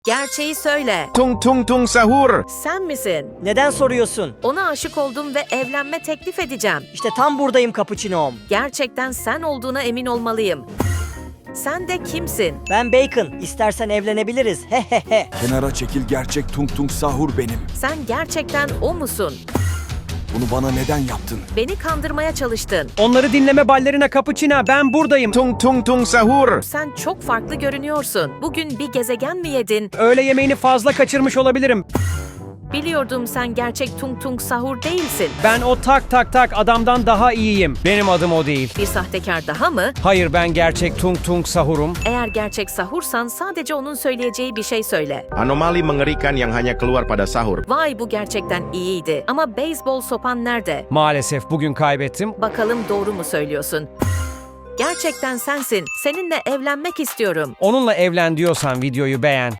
Gerçeği söyle. Tung tung tung sahur. Sen misin? Neden soruyorsun? Ona aşık oldum ve evlenme teklif edeceğim. İşte tam buradayım Cappuccino'm. Gerçekten sen olduğuna emin olmalıyım. Sen de kimsin? Ben Bacon. İstersen evlenebiliriz. Hehehe. Kenara çekil, gerçek Tung Tung Sahur benim. Sen gerçekten o musun? Bunu bana neden yaptın? Beni kandırmaya çalıştın. Onları dinleme ballerina Cappuccina, ben buradayım. Tung tung tung sahur. Sen çok farklı görünüyorsun. Bugün bir gezegen mi yedin? Öğle yemeğini fazla kaçırmış olabilirim. Biliyordum sen gerçek Tung Tung Sahur değilsin. Ben o tak tak tak adamdan daha iyiyim. Benim adım o değil. Bir sahtekar daha mı? Hayır, ben gerçek Tung Tung Sahur'um. Eğer gerçek sahursan sadece onun söyleyeceği bir şey söyle. Anomali mengerikan yang hanya keluar pada sahur. Vay, bu gerçekten iyiydi. Ama beyzbol sopan nerede? Maalesef bugün kaybettim. Bakalım doğru mu söylüyorsun? Gerçekten sensin. Seninle evlenmek istiyorum. Onunla evlen diyorsan videoyu beğen.